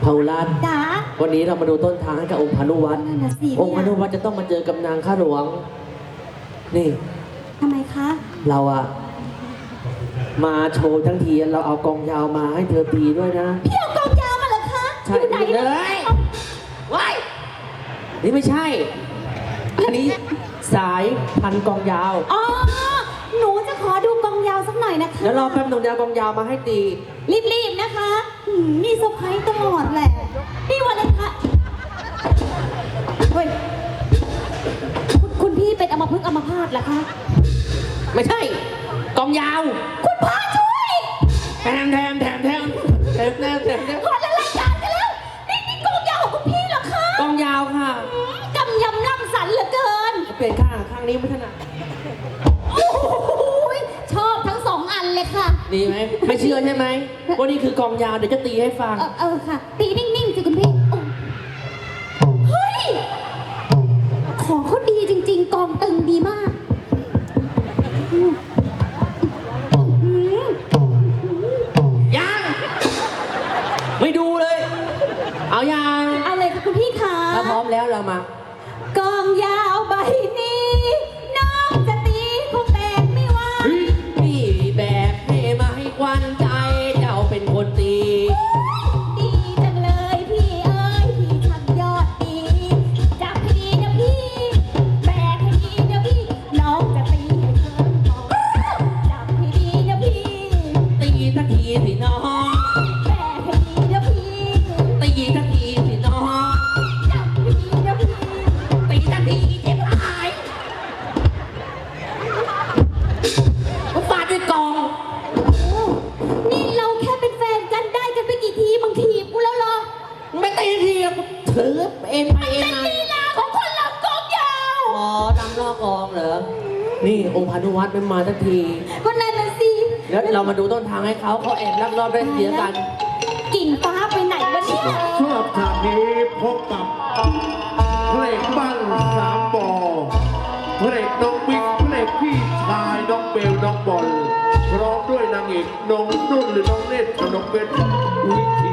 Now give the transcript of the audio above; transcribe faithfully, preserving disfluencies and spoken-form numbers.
เผาลัดจ๋าวันนี้เรามาดูต้นทางให้กับองค์พานุวัตรนั่นน่ะสิองค์พานุวัตรจะต้องมาเจอกับนางข้าหลวงนี่ทำไมคะเราอะมาโชว์ทั้งทีเราเอากองยาวมาให้เธอตีด้วยนะพี่เอากองยาวมาเหรอคะใช่อยู่ไหนเลเนี่ยยว้ายนี่ไม่ใช่ อันนี้สายพันกองยาวอ๋อหนูจะขอดูกองยาวสักหน่อยนะคะแล้วรอแป๊บหนึงเดี๋ยวเอากองยาวมาให้ตีรีบๆนะคะหืมมีเซอร์ไพรส์ตลอดแหละพี่วันเลยค่ะเฮ้ยคุณคุณพี่เป็นอัมพฤกษ์อัมพาตเหรอคะไม่ใช่กองยาวคุณพระช่วยแถมแถมแถมแถมแถมแถมแถมแถมขอละรายการกันแล้วนี่นี่กองยาวของคุณพี่เหรอคะกองยาวค่ะหืมกำยำล่ำสันเหลือเกินเปลี่ยนข้างข้างนี้ไม่ถนัดโอ้โหชอบทั้งสองอันเลยค่ะดีไหมไม่เชื่อใช่ไหมว่านี่คือกองยาวเดี๋ยวจะตีให้ฟังเออเออค่ะ ตีนิ่งๆสิคุณพี่โอ้เฮ้ย ของเขาดีจริงๆ กองตึงดีมากอืมอืมยังไม่ดูเลย เอายังเอาเลยค่ะคุณพี่คะถ้าพร้อมแล้วเรามากองยาวใบนี้ น้องจะตีคงแบกไม่ไหวพี่แบกให้มาให้ควันใจเจ้าเป็นคนตีดีจังเลยพี่เอ้ยพี่ช่างยอดดีจับให้ดีนะพี่แบกให้ดีนะพี่น้องจะตีให้เกินพอจับให้ดีนะพี่ตีสักทีสิน้องแบกให้ดีนะพี่ตีสักทีสิน้องจับให้ดีนะพี่ตีสักทีเจ็บหายมันฟาดด้วยกองโอ้นี่เราแค่เป็นแฟนกันได้กันไปกี่ทีบางทีกูแล้วเหรอไม่ตีทีถือเองไปเองเป็นไงลีลาของคนเรากองยาวอ๋อดำลอกกองเหรอ นี่องค์พานุวัตรไม่มาสักทีก็นั่นน่ะสิแล้วเรามาดูต้นทางให้เขาเขาแอบลักลอบได้เสียกันกิ่งฟ้าไปไหนวะเนี่ยสำหรับฉากนี้พบกับเพลงบ้านสามบ่อเพลงน้องบิ๊กเพลงพี่ชายน้องเบลน้องบอลพร้อมด้วยนางเอกน้องนุ่นหรือน้องเนตรกับน้องเพชรวิธี